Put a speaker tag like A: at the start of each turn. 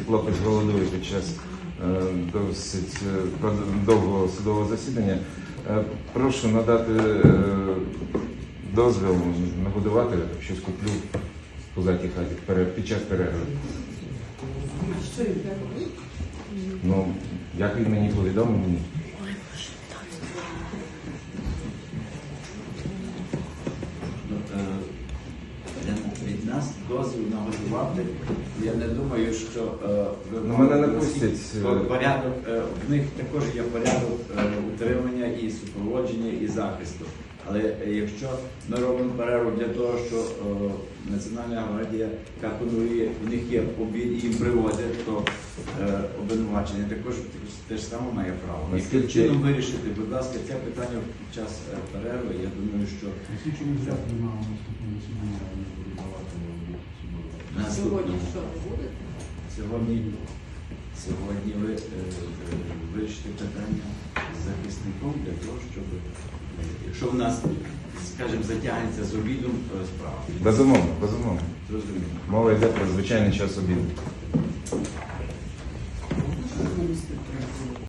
A: хлопець голодує під час досить довгого судового засідання. Прошу надати дозвіл нагодувати, щось куплю в пузатій хаті під час перерви.
B: Що він так робить?
A: Ну, як він мені повідомив мені.
C: Від нас дозвіл нагодувати. Я не думаю, що
A: Мене не пустять.
C: порядок, в них також є порядок утримання і супроводження, і захисту. Але якщо ми робимо перерву для того, що Національна гвардія контролює, в них є обід і їм привозять, то обвинувачення також те ж саме має право. Яким чином вирішити, будь ласка, це питання під час перерви, я думаю, що
B: Сьогодні що, не буде?
C: Сьогодні ви вирішите питання з захисником для того, щоб, якщо в нас, скажімо, затягнеться з обідом справа.
A: Безумовно, безумовно.
C: Зрозуміло.
A: Мова йде про звичайний час обіду.